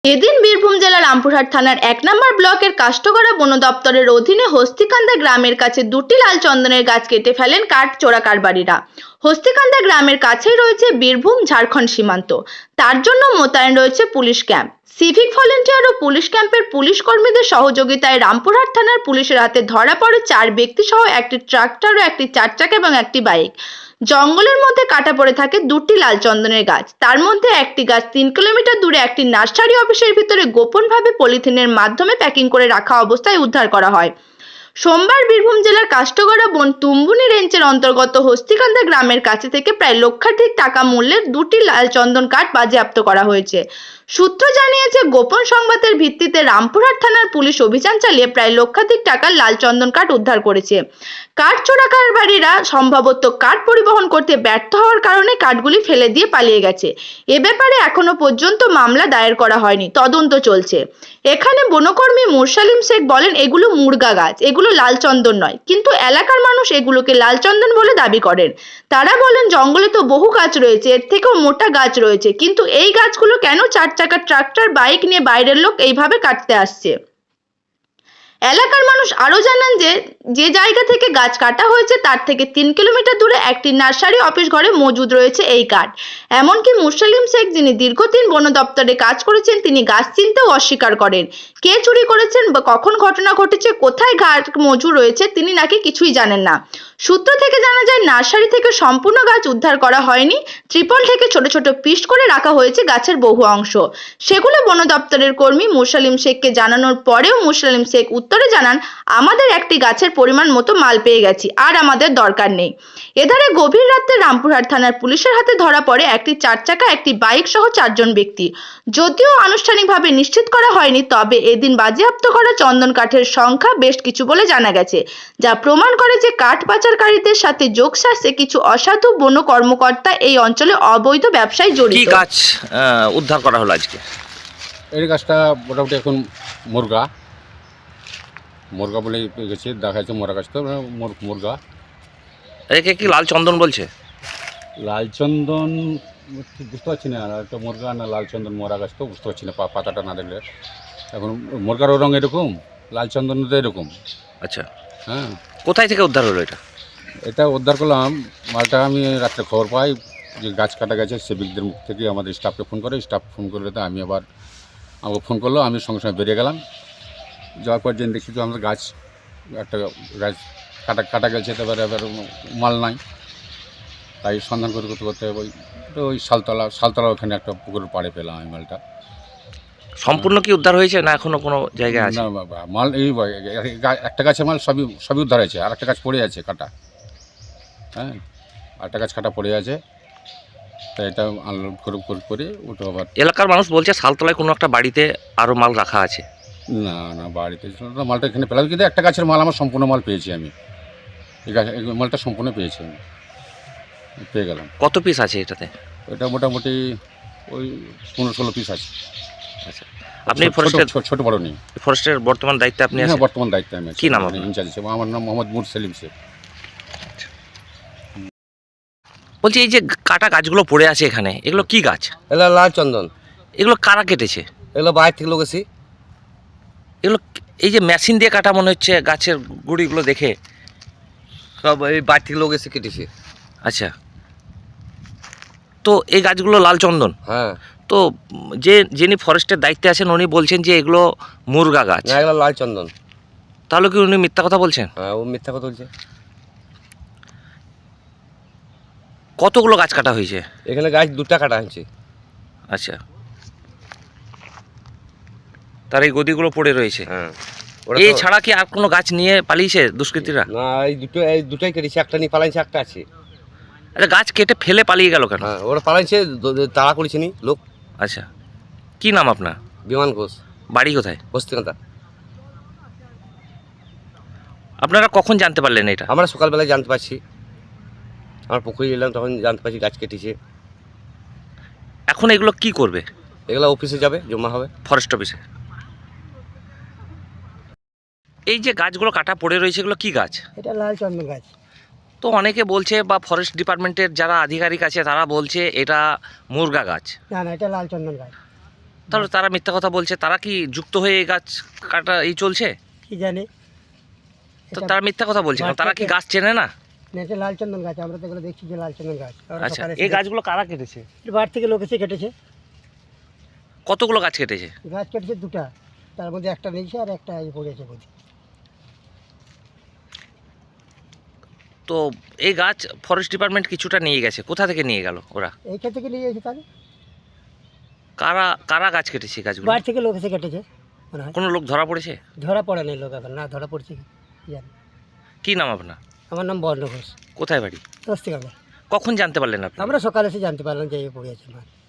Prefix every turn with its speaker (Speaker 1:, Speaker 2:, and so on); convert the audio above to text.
Speaker 1: এদিন বীরভূম জেলার রামপুরহাট থানার ১ নম্বর ব্লকের কাষ্ঠগড়া বন দপ্তরের অধীনে হস্তিকান্দা গ্রামের কাছে দুটি লাল চন্দনের গাছ কেটে ফেলেন কাঠ চোরা কারবারিরা। হস্তিকান্দা গ্রামের কাছেই রয়েছে বীরভূম ঝাড়খণ্ড সীমান্ত, তার জন্য মোতায়েন রয়েছে পুলিশ ক্যাম্প। সিভিক ভলেন্টিয়ার ও পুলিশ ক্যাম্পের পুলিশ কর্মীদের সহযোগিতায় রামপুরহাট থানার পুলিশের হাতে ধরা পড়ে ৪ ব্যক্তি সহ একটি ট্রাক্টর ও একটি ৪ চাকা এবং একটি বাইক। জঙ্গলের মধ্যে কাটা পড়ে থাকে দুটি লাল চন্দনের গাছ। তার মধ্যে একটি গাছ ৩ কিলোমিটার দূরে একটি নার্সারি অফিসের ভিতরে গোপনভাবে পলিথিনের মাধ্যমে প্যাকিং করে রাখা অবস্থায় উদ্ধার করা হয়। সোমবার বীরভূম জেলার কাষ্ঠগড়া বন তুম্বুনি রেঞ্জের অন্তর্গত হস্তিকান্দা গ্রামের কাছে থেকে প্রায় লক্ষাধিক টাকা মূল্যের দুটি লাল চন্দন কাঠ বাজেয়াপ্ত করা হয়েছে। সূত্র জানিয়েছে, গোপন সংবাদের ভিত্তিতে রামপুরহাট থানার পুলিশ অভিযান চালিয়ে প্রায় লক্ষাধিক টাকার লাল চন্দন কাঠ উদ্ধার করেছে। কাঠ চোরাকারবারীরা সম্ভবত কাঠ পরিবহন করতে ব্যর্থ হওয়ার কারণে কাঠগুলি ফেলে দিয়ে পালিয়ে গেছে। এ ব্যাপারে এখনো পর্যন্ত মামলা দায়ের করা হয়নি, তদন্ত চলছে। এখানে বনকর্মী মুরসালিম শেখ বলেন, এগুলো মুরগা গাছ, এগুলো লাল চন্দন নয়, কিন্তু এলাকার মানুষ এগুলোকে লাল চন্দন বলে দাবি করেন। তারা বলেন, জঙ্গলে তো বহু গাছ রয়েছে, এর থেকেও মোটা গাছ রয়েছে, কিন্তু এই গাছগুলো কেন ৪ চাকার ট্রাক্টর বাইক নিয়ে বাইরের লোক এইভাবে কাটতে আসছে। এলাকার মানুষ আরো জানান যে জায়গা থেকে গাছ কাটা হয়েছে তার থেকে ৩ কিলোমিটার দূরে একটি নার্সারি অফিস ঘরে মজুদ রয়েছে এই কাঠ। এমনকি মুরসালিম শেখ, যিনি দীর্ঘদিন বন দপ্তরে কাজ করেছেন, তিনি গাছ চিনতেও অস্বীকার করেন। কে চুরি করেছেন বা কখন ঘটনা ঘটেছে, কোথায় গাছ মজুদ রয়েছে, তিনি নাকি কিছুই জানেন না। সূত্র থেকে জানা যায়, নার্সারি থেকে সম্পূর্ণ গাছ উদ্ধার করা হয়নি, ত্রিপল থেকে ছোট ছোট পিস করে রাখা হয়েছে গাছের বহু অংশ। সেগুলো বন দপ্তরের কর্মী মুরসালিম শেখকে জানানোর পরেও মুরসালিম শেখ উত্তরে জানান, আমাদের একটি গাছের পরিমাণ মতো মাল পেয়ে গেছি, আর আমাদের দরকার নেই। এধারে গভীর রাতে রামপুরহাট থানার পুলিশের হাতে ধরা পড়ে একটি ৪ চাকা, একটি বাইক সহ ৪ জন ব্যক্তি। যদিও আনুষ্ঠানিকভাবে নিশ্চিত করা হয়নি, তবে এদিন বাজেয়াপ্ত করা চন্দন কাঠের সংখ্যা বেশ কিছু বলে জানা গেছে, যা প্রমাণ করে যে কাঠ পাচারকারীদের সাথে যোগসাজশে কিছু অসাধু বন কর্মকর্তা এই অঞ্চলে অবৈধ ব্যবসায় জড়িত।
Speaker 2: কি গাছ উদ্ধার করা হলো আজকে?
Speaker 3: এই গাছটা মোটামুটি এখন মুরগা বলে গেছে, দেখা যাচ্ছে মরা গাছ তো মুরগা।
Speaker 2: একে কি লাল চন্দন বলছে?
Speaker 3: লালচন্দন ঠিক বুঝতে পারছি না, আর একটা মুরগা না লালচন্দন মরা গাছ তো বুঝতে পারছি না পাতাটা না দেখলে। এখন মুরগারও রঙ এরকম, লালচন্দন তো এরকম।
Speaker 2: আচ্ছা,
Speaker 3: হ্যাঁ।
Speaker 2: কোথায় থেকে উদ্ধার হলো এটা?
Speaker 3: এটা উদ্ধার করলাম মালটা আমি রাত্রে খবর পাই যে গাছ কাটা গেছে, সিভিকদের মুখ থেকে আমাদের স্টাফকে ফোন করে, স্টাফ ফোন করলে তো আমি আবার আমাকে ফোন করলো, আমি সঙ্গে সঙ্গে বেরিয়ে গেলাম। যাওয়ার পর জেনে দেখি তো আমাদের গাছ একটা গাছ কাটা গেছে, তারপরে এবার মাল নাই, তাই সন্ধান করতে করতে ওই শালতলা ওখানে একটা পুকুরের পাড়ে পেলাম আমি মালটা।
Speaker 2: সম্পূর্ণ কি উদ্ধার হয়েছে না এখনো কোনো জায়গায় আছে?
Speaker 3: না মাল এই একটা গাছের মাল সবই উদ্ধার হয়েছে, আর একটা গাছ পড়ে আছে কাটা। হ্যাঁ, আরেকটা গাছ কাটা পড়ে আছে, তাই এটা আনলোড করে ওটা আবার।
Speaker 2: এলাকার মানুষ বলছে শালতলায় কোনো একটা বাড়িতে আরও মাল রাখা আছে।
Speaker 3: না বাড়িতে মালটা এখানে পেলাম, কিন্তু একটা গাছের মাল আমার সম্পূর্ণ মাল পেয়েছি আমি। এই মালটা সম্পূর্ণ পেয়েছি আমি, পেয়ে গেলাম।
Speaker 2: কত পিস আছে এটাতে?
Speaker 3: এটা মোটামুটি ওই 15-16 পিস আছে।
Speaker 2: আচ্ছা, আপনি ফরেস্টের
Speaker 3: ছোট বড় নেই।
Speaker 2: ফরেস্টের বর্তমান দায়িত্বে আপনি আছেন?
Speaker 3: বর্তমান দায়িত্বে আমি আছি।
Speaker 2: কি নাম আপনার?
Speaker 3: ইনচার্জ হিসেবে আমার নাম মোহাম্মদ মুরসালিম শেখ।
Speaker 2: বলছি, এই যে কাটা গাছগুলো পড়ে আছে এখানে, এগুলো কি গাছ?
Speaker 4: এগুলো লাল চন্দন।
Speaker 2: এগুলো কারা কেটেছে?
Speaker 4: এগুলো বাইরে থেকে লোক এসি।
Speaker 2: এগুলো এই যে মেশিন দিয়ে কাটা মনে হচ্ছে, গাছের গুঁড়িগুলো দেখে।
Speaker 4: সব এই বাইরে থেকে লোক এসে কেটেছে।
Speaker 2: আচ্ছা, তো এই গাছগুলো লাল চন্দন?
Speaker 4: হ্যাঁ।
Speaker 2: তো যিনি ফরেস্টের দায়িত্বে আছেন উনি বলছেন যে এগুলো মুরগা গাছ।
Speaker 4: না, এগুলো লাল চন্দন।
Speaker 2: তাহলে কি উনি মিথ্যা কথা বলছেন?
Speaker 4: হ্যাঁ, ও মিথ্যা কথা বলছে।
Speaker 2: কতগুলো গাছ কাটা হয়েছে
Speaker 4: এখানে? গাছ 2টা কাটা হয়েছে।
Speaker 2: আচ্ছা, তার এই গদিগুলো পড়ে রয়েছে।
Speaker 4: হ্যাঁ।
Speaker 2: এই ছাড়া কি আর কোনো গাছ নিয়ে পালিয়েছে দুষ্কৃতীরা?
Speaker 4: না, এই দুটোই কেটেছে, একটা নিয়ে পালাইছে, একটা আছে।
Speaker 2: আচ্ছা, গাছ কেটে ফেলে পালিয়ে গেল কেন?
Speaker 4: হ্যাঁ, ওরা পালাইছে, তাড়া করেছে নি লোক।
Speaker 2: আচ্ছা, কি নাম আপনার?
Speaker 4: বিমান ঘোষ।
Speaker 2: বাড়ি কোথায়?
Speaker 4: হস্তিকান্দা।
Speaker 2: আপনারা কখন জানতে পারলেন এটা?
Speaker 4: আমরা সকালবেলায় জানতে পারছি, আমার পুকুরে এলাম তখন জানতে পারছি গাছ কেটেছে।
Speaker 2: এখন এগুলো কি করবে?
Speaker 4: এগুলো অফিসে যাবে, জমা হবে
Speaker 2: ফরেস্ট অফিসে। এই যে গাছগুলো কাটা পড়ে রয়েছে, এগুলো কি গাছ?
Speaker 5: এটা লাল চন্দন গাছ।
Speaker 2: তো অনেকে বলছে, বা ফরেস্ট ডিপার্টমেন্টের যারা আধিকারিক আছে তারা বলছে এটা মুরগা গাছ।
Speaker 5: না, এটা লাল চন্দন গাছ।
Speaker 2: তাহলে তারা মিথ্যা কথা বলছে, তারা কি যুক্ত হয়ে এই গাছ কাটা এই চলছে?
Speaker 5: কি জানি
Speaker 2: তো তারা মিথ্যা কথা বলছে না, তারা কি গাছ চেনে না?
Speaker 5: এটা লালচন্দন গাছ, আমরা তো এগুলো দেখছি যে লালচন্দন গাছ। আমরা
Speaker 2: আচ্ছা,
Speaker 5: সকালে
Speaker 2: এই গাছগুলো কারা কেটেছে?
Speaker 5: বাড়ি থেকে লোক এসে কেটেছে,
Speaker 2: কতগুলো গাছ কেটেছে?
Speaker 5: গাছ কেটেছে দুটা, তার মধ্যে একটা নিয়েছে আর একটা এই পড়েছে বুঝি।
Speaker 2: তো এই গাছ ফরেস্ট ডিপার্টমেন্ট কিছুটা নিয়ে গেছে, কোথা থেকে নিয়ে গেল ওরা?
Speaker 5: এইখান থেকে নিয়ে এসে তাহলে
Speaker 2: কারা কারা গাছ কেটেছে এই গাছগুলো?
Speaker 5: বাড়ি থেকে লোক এসে কেটেছে মনে হয়।
Speaker 2: কোনো লোক ধরা পড়েছে?
Speaker 5: ধরা পড়ে নাই লোক এখন, না ধরা পড়ছে কি জানি।
Speaker 2: কি নাম আপনার?
Speaker 5: আমার নাম বর্ণ ঘোষ,
Speaker 2: কোথায় বাড়ি?
Speaker 5: স্বস্তিকান্দা।
Speaker 2: কখন জানতে পারলেন আপনি?
Speaker 5: আমরা সকালে এসে জানতে পারলাম যে এই পড়েছে মাছ।